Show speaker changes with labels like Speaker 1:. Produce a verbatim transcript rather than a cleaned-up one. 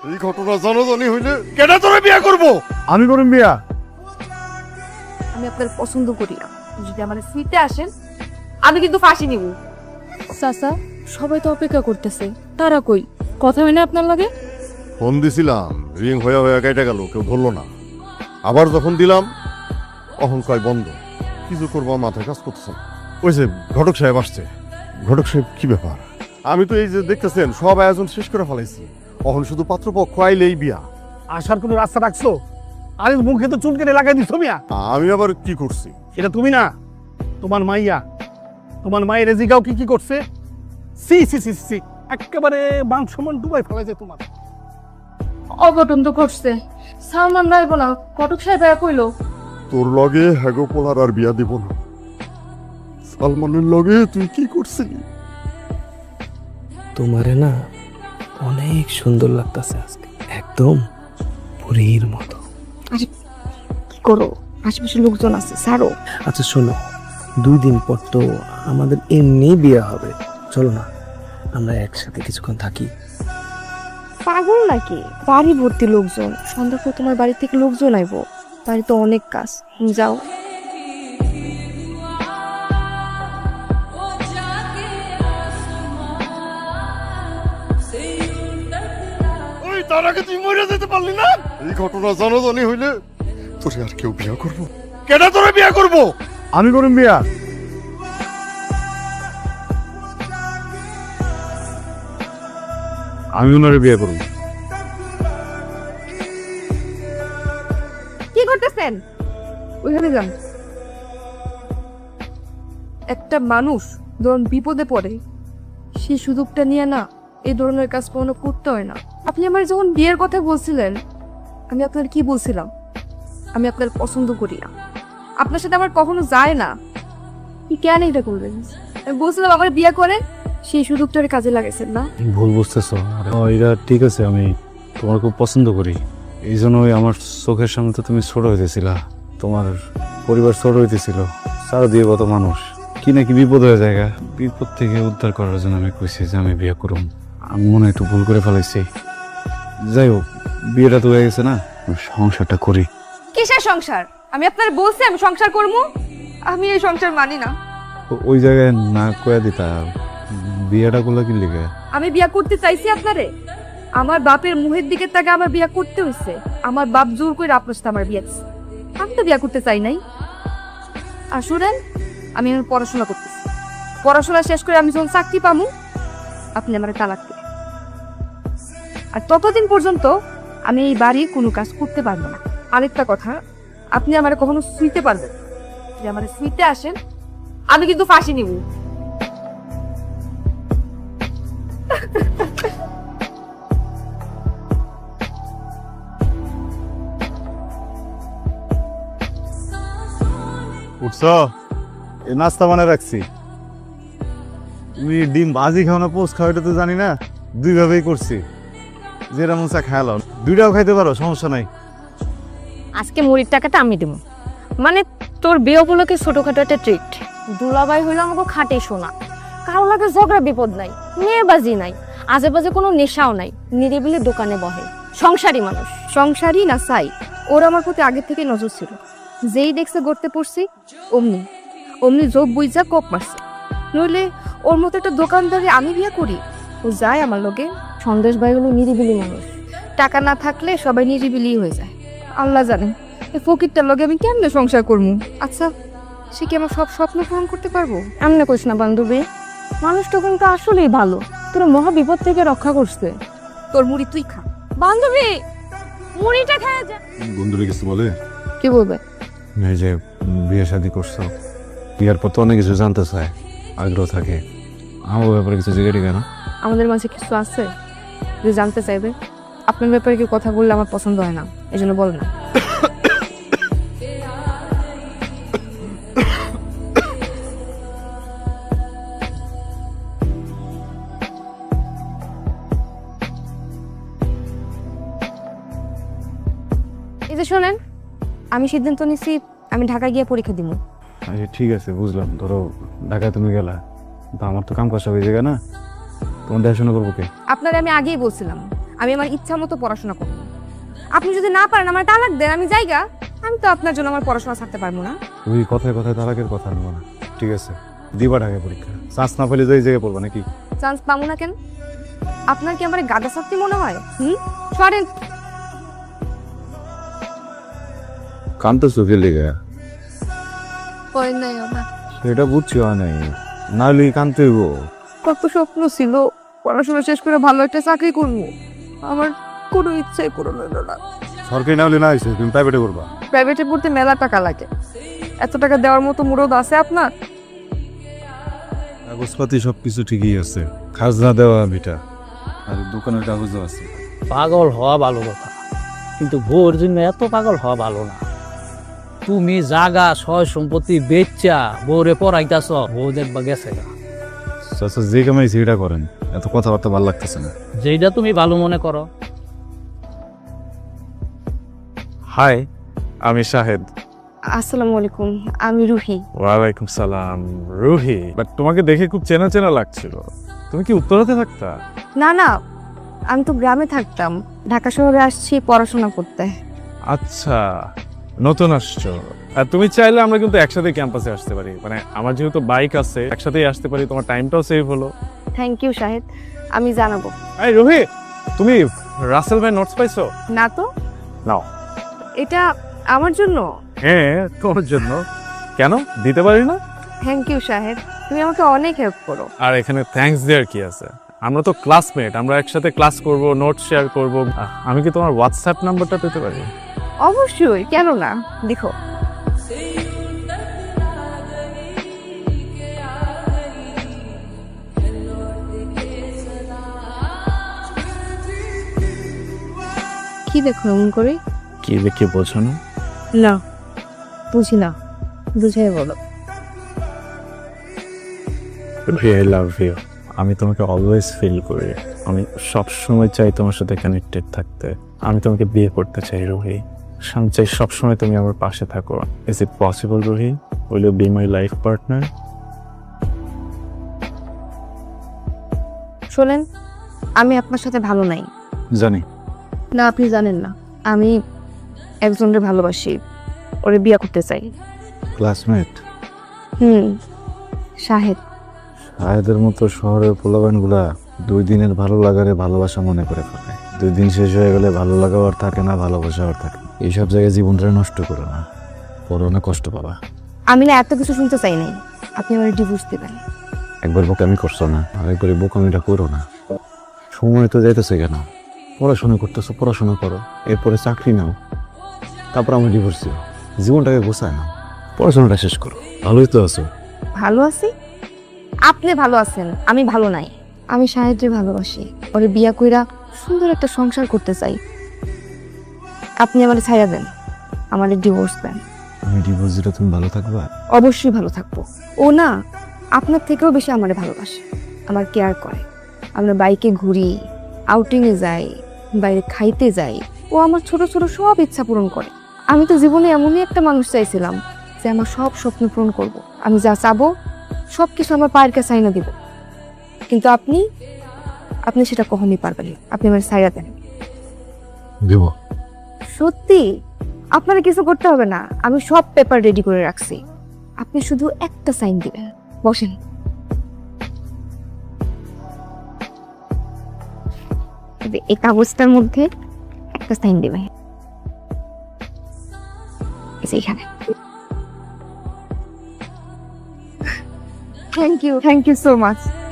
Speaker 1: এই ঘটনা জানাজানি হইলে কেন তোরে বিয়ে করব?
Speaker 2: আমি করুন বিয়া।
Speaker 3: আমি আপনার পছন্দ করি না। যদি আমার সিটে আসেন আমি কিন্তু ফাঁসি নিব।
Speaker 4: চাচা সবাই তো অপেক্ষা করতেছে, তারা কই কথা হয় না আপনার লাগে?
Speaker 1: ফোন দিছিলাম, রিং হয়ে হয়ে কেটে গেল, কেউ ধরলো না। আবার যখন দিলাম তখন কয় বন্ধ। কিছু করবো মাথায় কাজ করতেছে না। ওই যে ঘটক সাহেব আসছে। ঘটক সাহেব কি ব্যাপার? আমি তো এই যে দেখতেছেন সব আয়োজন শেষ করে ফেলাইছি, এখন শুধু পাত্রপক্ষ আইলেই বিয়া।
Speaker 2: আসার কোনো রাস্তা রাখছো? আরে মুখে তো চুল কেটে লাগাই দিছো মিয়া।
Speaker 1: আমি আবার কি করছি?
Speaker 2: এটা তুমি না, তোমার মাইয়া। তোমার মায়ের রেজিগাও কি কি করছে? সি সি সি সি একেবারে মাংস মন ডুবাই ফেলাইছে তোমার।
Speaker 4: অঘটন তো ঘটছে। সালমান রাইব না, কটক সাহেব কইলো
Speaker 1: তোর লগে হ্যাগো পোলার আর বিয়া দিব না। সালমানের লগে তুই কি করছিলি?
Speaker 5: তোমারে না অনেক সুন্দর লাগতেছে আজকে, একদম পরীর মতো।
Speaker 3: আরে কি করো, আশেপাশে লোকজন আছে, ছাড়ো।
Speaker 5: আচ্ছা শোনো, দুই দিন পর তো আমাদের এমনি বিয়ে হবে, চলো না আমরা একসাথে কিছুক্ষণ থাকি।
Speaker 3: পাগল নাকি? বাড়ি ভর্তি লোকজন, সন্ধ্যা পর তোমার বাড়ি থেকে লোকজন আইবো। বাড়িতে অনেক কাজ, যাও।
Speaker 1: ওই তার আগে তুই মরে যেতে পারলি না? এই ঘটনা জানাজানি হইলে তোরে আর কেউ বিয়া করব? কেন তোরে বিয়া করব?
Speaker 2: আমি করুন বিয়া।
Speaker 6: আমি ওনারে বিয়ে করব।
Speaker 3: কি করতেছেন? ওইখানে যান। একটা মানুষ যখন বিপদে পড়ে সেই সুযোগটা নিয়ে না এই ধরনের কাজ কখনো করতে হয় না। আপনি আমার যখন বিয়ের কথা বলছিলেন, আমি আপনার কি বলছিলাম? আমি আপনার পছন্দ করি না, আপনার সাথে আমার কখনো যায় না। কি কেন এটা করবেন? আমি বলছিলাম আমার বিয়ে করে, সেই সুযোগটা কাজে লাগাইছেন না।
Speaker 6: ভুল বুঝতেছো। এটা ঠিক আছে, আমি তোমার খুব পছন্দ করি, এই জন্যই আমার চোখের সামনে তো তুমি ছোট হইতেছিলা, তোমার পরিবার ছোট হইতেছিল, চারো দিয়ে কত মানুষ কি নাকি বিপদ হয়ে যায়। বিপদ থেকে উদ্ধার করার জন্য আমি কইছি যে আমি বিয়ে করুম। আমি মনে হয় একটু ভুল করে ফেলাইছি। যাই হোক, বিয়েটা তো হয়ে গেছে না, সংসারটা করি।
Speaker 3: কিসের সংসার? আমি আপনার বলছি আমি সংসার করবো। আমি এই সংসার মানি না।
Speaker 6: ও- ওই জায়গায় না কয়া দিতা, বিয়েটা করলে কি লিখে?
Speaker 3: আমি বিয়া করতে চাইছি আপনারে? আমার বাপের মুহের দিকে তাকে আমার বিয়া করতে হইছে। আমার বাপ জোর করে আপনার সাথে আমার বিয়া দিচ্ছে। আমি তো বিয়া করতে চাই নাই। আর শুনেন, আমি আমার পড়াশোনা করতেছি। পড়াশোনা শেষ করে আমি যখন চাকরি পামু, আপনি আমার তালাক দিবেন। আর ততদিন পর্যন্ত আমি এই বাড়ির কোনো কাজ করতে পারবো না। আরেকটা কথা, আপনি আমার কখনো শুইতে পারবেন না। যদি আমার শুইতে আসেন আমি কিন্তু ফাঁসি নিব।
Speaker 6: উঠছ? এ নাস্তা বানায় রাখছি। তুমি ডিম ভাজি খাও না পোস্ট খাও এটা তো জানি না, দুই ভাবেই করছি। যেটা মন চা খায়ালো, দুইটাও খাইতে পারো, সমস্যা নাই।
Speaker 4: আজকে মুড়ির টাকাটা আমি দেবো। মানে তোর বিয়ে উপলক্ষে ছোটখাটো একটা ট্রিট। দুলাভাই হইলো আমাকে খাটে শোনা, কারো লাগে ঝগড়া বিপদ নাই, মেয়েবাজি নাই, আজে বাজে কোনো নেশাও নাই, নিরিবিলি দোকানে বহে, সংসারী মানুষ।
Speaker 3: সংসারই না চাই, ওর আমার প্রতি আগে থেকে নজর ছিল। যেই দেখছে গড়তে পড়ছি অমনি অমনি যোগ বুঝা কোপ মারছে। নইলে ওর মতো একটা দোকানদারে আমি বিয়ে করি? ও যায় আমার লগে।
Speaker 4: সন্দেশ ভাই হলো নিরিবিলি মানুষ।
Speaker 3: টাকা না থাকলে সবাই নিরিবিলি হয়ে যায়। আল্লাহ জানে এই ফকিরটার লগে আমি কেমনে সংসার করবো। আচ্ছা, সে কি আমার সব স্বপ্ন পূরণ করতে পারবো?
Speaker 4: এমনি কইস না বান্ধবী, মানুষটা কিন্তু আসলেই ভালো, তোর মহা বিপদ থেকে রক্ষা করছে।
Speaker 3: তোর মুড়ি তুই খা।
Speaker 4: বান্ধবী মুড়িটা খাওয়া যা।
Speaker 6: বন্ধুরা কিছু বলে?
Speaker 3: কি বলবে?
Speaker 6: এই যে বিয়ে শাদী করছো, বিয়ের পর তো অনেক কিছু জানতে চায়, আগ্রহ থাকে। আমার ব্যাপারে কিছু জিজ্ঞেস কেন?
Speaker 3: আমাদের মাঝে কিছু আছে যে জানতে চাইবে? আপনার ব্যাপারে কি কথা বললে আমার পছন্দ হয় না, এই জন্য বল না। এই যে শোনেন, আমি সিদ্ধান্ত নিছি আমি ঢাকা গিয়ে পরীক্ষা দিব।
Speaker 6: আচ্ছা ঠিক আছে, বুঝলাম। ধরো ঢাকায় তুমি গেলা, তো আমার তো কাম কাজ হয়ে যাবে না, তোমার দেখাশোনা করবো কে?
Speaker 3: আপনারা আমি আগেই বলছিলাম আমি আমার ইচ্ছা মতো পড়াশোনা করব। আপনি যদি না পারেন আমার তালাক দেন, আমি যাইগা। আমি তো আপনার জন্য আমার পড়াশোনা ছাড়তে পারবো না।
Speaker 6: ওই কথায় কথায় তালাকের কথা নেবো না, ঠিক আছে? দিবা ঢাকা পরীক্ষা, চান্স না পেলে যাই জায়গায় পড়বা নাকি?
Speaker 3: চান্স পাবো না কেন? আপনার কি আমার গাদা শক্তি মনে হয়? হুম, সরেন।
Speaker 6: কান্ত চোখে লেগে
Speaker 3: হয় নাই আমার
Speaker 6: সেটা বুঝছি হয় নাই, নাহলে কানতে হইব।
Speaker 3: কত স্বপ্ন ছিল পড়াশোনা শেষ করে ভালো একটা চাকরি করবো, আমার কোনো ইচ্ছাই পূরণ হলো না।
Speaker 6: সরকারি না হলে না হয়েছে, তুমি প্রাইভেটে করবা।
Speaker 3: প্রাইভেটে পড়তে মেলা টাকা লাগে, এত টাকা দেওয়ার মতো মুরদ আছে আপনার?
Speaker 6: কাগজপাতি সবকিছু ঠিকই আছে, খাজনা দেওয়া বিটা, আর দোকানের কাগজও আছে।
Speaker 7: পাগল হওয়া ভালো কথা, কিন্তু বউর জন্য এত পাগল হওয়া ভালো না। তুমি জাগা সয় সম্পত্তি বেচা বউরে পড়াইতাছ, বউ দেখবা গেছে গা।
Speaker 6: আচ্ছা, যে কামাই সেটা করেন, এত কথাবার্তা ভালো লাগতেছে না।
Speaker 7: যেটা তুমি ভালো মনে করো।
Speaker 8: হাই, আমি শাহেদ।
Speaker 3: আসসালামু আলাইকুম, আমি রুহি।
Speaker 8: ওয়ালাইকুম সালাম, রুহি। বাট তোমাকে দেখে খুব চেনা চেনা লাগছিল। তুমি কি উত্তরাতে থাকতা?
Speaker 3: না না, আমি তো গ্রামে থাকতাম, ঢাকা শহরে আসছি পড়াশোনা করতে।
Speaker 8: আচ্ছা, নতুন আসছো। আর তুমি চাইলে আমরা কিন্তু একসাথে ক্যাম্পাসে আসতে পারি, মানে আমার যেহেতু বাইক আছে একসাথেই আসতে পারি, তোমার টাইমটাও সেভ হলো।
Speaker 3: থ্যাংক ইউ শাহেদ, আমি জানাবো।
Speaker 8: এই রুহি, তুমি রাসেল ভাই নোটস পাইছো?
Speaker 3: না তো।
Speaker 8: নাও।
Speaker 3: এটা আমার জন্য?
Speaker 8: হ্যাঁ, তোমার জন্য। কেন দিতে পারি না?
Speaker 3: থ্যাংক ইউ শাহেদ, তুমি আমাকে অনেক হেল্প করো।
Speaker 8: আর এখানে থ্যাঙ্কস দেওয়ার কি আছে? আমরা তো ক্লাসমেট, আমরা একসাথে ক্লাস করব, নোট শেয়ার করব। আমি কি তোমার হোয়াটসঅ্যাপ নাম্বারটা পেতে পারি?
Speaker 3: অবশ্যই, কেন না, দেখো। কি দেখো এমন করে?
Speaker 8: কি দেখে বোঝো না?
Speaker 3: না, বুঝি না, বুঝাই বলো।
Speaker 8: I love you. আমি তোমাকে অলওয়েজ ফিল করি, আমি সব সময় চাই তোমার সাথে কানেক্টেড থাকতে। আমি তোমাকে বিয়ে করতে চাই রুহি, আমি চাই সবসময় তুমি আমার পাশে থাকো। Is it possible Ruhi? Will you be my life partner?
Speaker 3: শোনেন, আমি আপনার সাথে ভালো নাই।
Speaker 6: জানি।
Speaker 3: না, আপনি জানেন না, আমি একজনের ভালোবাসি, ওরে বিয়ে করতে চাই।
Speaker 6: ক্লাসমেট?
Speaker 3: হুম, শাহেদ।
Speaker 6: শাহেদের মতো শহরের পোলাবানগুলা দুই দিনের ভালো লাগারে ভালোবাসা মনে করে ফেলে। দুই দিন শেষ হয়ে গেলে ভালো লাগাও আর থাকে না, ভালোবাসা আর থাকে না। এইসব জায়গায় জীবনটা নষ্ট করো না, পরে অনেক কষ্ট পাবা।
Speaker 3: আমি না এত কিছু শুনতে চাই নাই, আপনি আমার ডিভোর্স দেবেন।
Speaker 6: একবার বোকামি করছো না, আরেকবার এই বোকামিটা করো না। সময় তো যাইতেছে কেন? পড়াশোনা করতেছো, পড়াশোনা করো, এরপরে চাকরি নাও, তারপর আমার ডিভোর্স দিও। জীবনটাকে গোছায় না, পড়াশোনাটা শেষ করো। ভালোই তো আছো।
Speaker 3: ভালো আছি? আপনি ভালো আছেন, আমি ভালো নাই। আমি শাহেদকে ভালোবাসি, ওরে বিয়া কইরা সুন্দর একটা সংসার করতে চাই। আপনি আমারে ছাইড়া দেন, আমারে ডিভোর্স দেন।
Speaker 6: আমি ডিভোর্স দিলে তুমি ভালো থাকবা?
Speaker 3: অবশ্যই ভালো থাকবো। ও না, আপনার থেকেও বেশি আমারে ভালোবাসে, আমার কেয়ার করে। আমরা বাইকে ঘুরি, আউটিংয়ে যাই, বাইরে খাইতে যাই। ও আমার ছোট ছোট সব ইচ্ছা পূরণ করে। আমি তো জীবনে এমনই একটা মানুষ চাইছিলাম যে আমার সব স্বপ্ন পূরণ করব। আমি যা চাবো সব কিছু আমার পায়ের কাছে আইনা দিব, কিন্তু আপনি আপনি সেটা কখনই পারবেন না। আপনি আমার ছাইড়া দেন।
Speaker 6: দেব?
Speaker 3: সত্যি, আপনারা কিছু করতে হবে না, আমি সব পেপার রেডি করে রাখছি। আপনি শুধু একটা সাইন দিবেন। বসেন। এই কাগজটার মধ্যে একটা সাইন দিবেন, এখানে। Thank you, thank you so much.